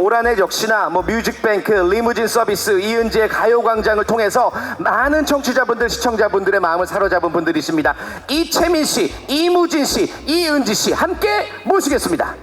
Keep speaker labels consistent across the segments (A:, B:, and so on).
A: 올 한해 역시나 뮤직뱅크, 리무진 서비스, 이은지의 가요광장을 통해서 많은 청취자분들, 시청자분들의 마음을 사로잡은 분들이십니다. 이채민 씨, 이무진 씨, 이은지 씨 함께 모시겠습니다.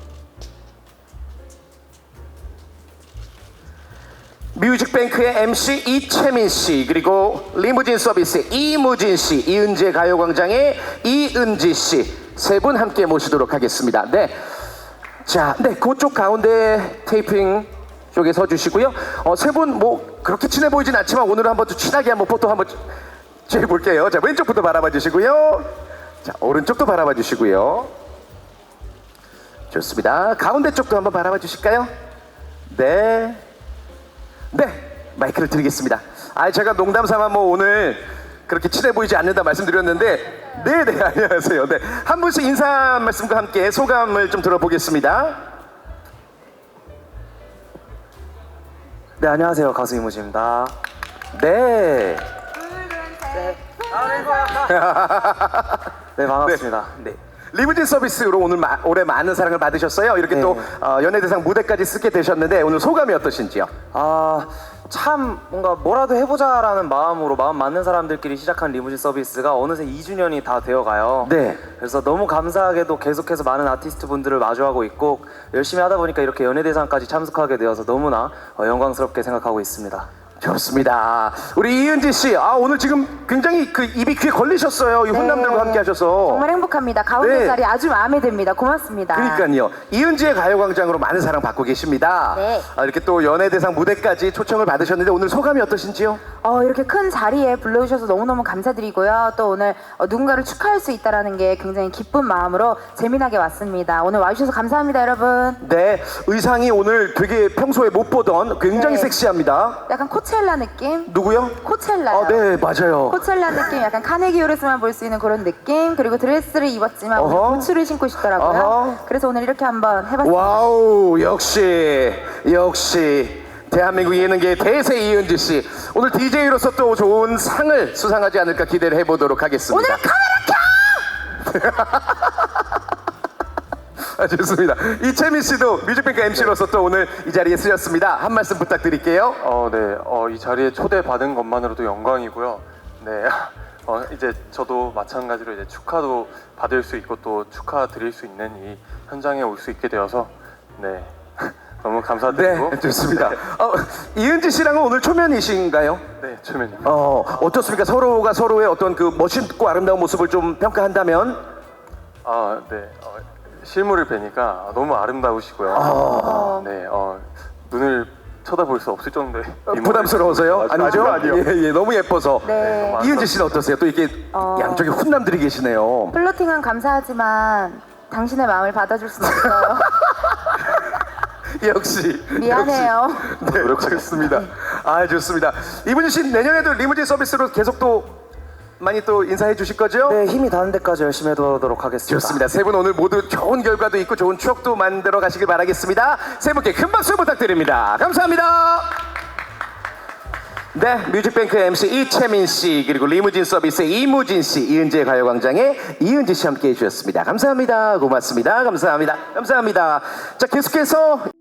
A: 뮤직뱅크의 MC 이채민 씨, 그리고 리무진 서비스 이무진 씨, 이은지의 가요광장의 이은지 씨 세 분 함께 모시도록 하겠습니다. 네, 자, 네, 그쪽 가운데 테이핑 쪽에 서주시고요. 세 분 그렇게 친해 보이진 않지만 오늘은 한번 좀 친하게 한번 포토 한번 찍어볼게요. 자, 왼쪽부터 바라봐 주시고요. 자, 오른쪽도 바라봐 주시고요. 좋습니다. 가운데 쪽도 한번 바라봐 주실까요? 네. 네, 마이크를 드리겠습니다. 제가 농담 삼아 오늘 그렇게 친해 보이지 않는다 말씀드렸는데, 네네, 안녕하세요. 네, 한 분씩 인사 말씀과 함께 소감을 좀 들어보겠습니다.
B: 네, 안녕하세요. 가수 이무지입니다.
A: 네.
B: 네, 반갑습니다.
A: 네. 리무진 서비스로 오늘 올해 많은 사랑을 받으셨어요. 이렇게
B: 네.
A: 또 연예대상 무대까지 쓰게 되셨는데 오늘 소감이 어떠신지요?
B: 참 뭔가 뭐라도 해보자라는 마음으로 마음 맞는 사람들끼리 시작한 리무진 서비스가 어느새 2주년이 다 되어가요.
A: 네.
B: 그래서 너무 감사하게도 계속해서 많은 아티스트 분들을 마주하고 있고 열심히 하다 보니까 이렇게 연예대상까지 참석하게 되어서 너무나 영광스럽게 생각하고 있습니다.
A: 좋습니다. 우리 이은지 씨, 오늘 지금 굉장히 입이 귀에 걸리셨어요. 이 훈남들과 함께 하셔서.
C: 정말 행복합니다. 가운데
A: 네.
C: 자리 아주 마음에 듭니다. 고맙습니다.
A: 그러니까요. 이은지의 가요광장으로 많은 사랑 받고 계십니다.
C: 네.
A: 이렇게 또 연예대상 무대까지 초청을 받으셨는데 오늘 소감이 어떠신지요?
C: 이렇게 큰 자리에 불러주셔서 너무너무 감사드리고요. 또 오늘 누군가를 축하할 수 있다는 게 굉장히 기쁜 마음으로 재미나게 왔습니다. 오늘 와주셔서 감사합니다, 여러분.
A: 네, 의상이 오늘 되게 평소에 못 보던 굉장히
C: 네.
A: 섹시합니다.
C: 약간 코첼라 느낌?
A: 누구요?
C: 코첼라요.
A: 네, 맞아요.
C: 코첼라 느낌, 약간 카네기홀에서만 볼 수 있는 그런 느낌. 그리고 드레스를 입었지만 오늘 부츠를 신고 싶더라고요.
A: 어허.
C: 그래서 오늘 이렇게 한번 해봤습니다.
A: 와우, 역시 대한민국 예능계의 대세 이은지 씨. 오늘 DJ로서 또 좋은 상을 수상하지 않을까 기대를 해보도록 하겠습니다.
C: 오늘 카메라 켜!
A: 좋습니다. 이채민 씨도 뮤직뱅크 MC로서 또 오늘 이 자리에 쓰셨습니다. 한 말씀 부탁드릴게요.
D: 네. 이 자리에 초대받은 것만으로도 영광이고요. 네. 이제 저도 마찬가지로 이제 축하도 받을 수 있고 또 축하드릴 수 있는 이 현장에 올 수 있게 되어서 네. 너무 감사드리고.
A: 네, 좋습니다. 이은지 씨랑은 오늘 초면이신가요?
D: 네, 초면입니다.
A: 어떻습니까? 서로가 서로의 어떤 그 멋있고 아름다운 모습을 좀 평가한다면?
D: 네. 실물을 뵈니까 너무 아름다우시고요. 네. 눈을 쳐다볼 수 없을 정도의
A: 부담스러워서요? 아니죠?
D: 아니요.
A: 예, 너무 예뻐서.
C: 네.
A: 이은지 씨는 어떠세요? 또 이렇게 양쪽에 훈남들이 계시네요.
C: 플러팅은 감사하지만 당신의 마음을 받아줄 수는 없어요.
A: 역시.
C: 미안해요.
A: 네, 노력하겠습니다. 좋습니다. 이분희 씨 내년에도 리무진 서비스로 계속 또 많이 또 인사해 주실 거죠?
B: 네, 힘이 닿는 데까지 열심히 해보도록 하겠습니다.
A: 좋습니다. 세 분 오늘 모두 좋은 결과도 있고 좋은 추억도 만들어 가시길 바라겠습니다. 세 분께 큰 박수 부탁드립니다. 감사합니다. 네, 뮤직뱅크 MC 이채민 씨, 그리고 리무진 서비스 이무진 씨, 이은지의 가요광장의 이은지 씨 함께 해주셨습니다. 감사합니다. 고맙습니다. 감사합니다. 감사합니다. 자, 계속해서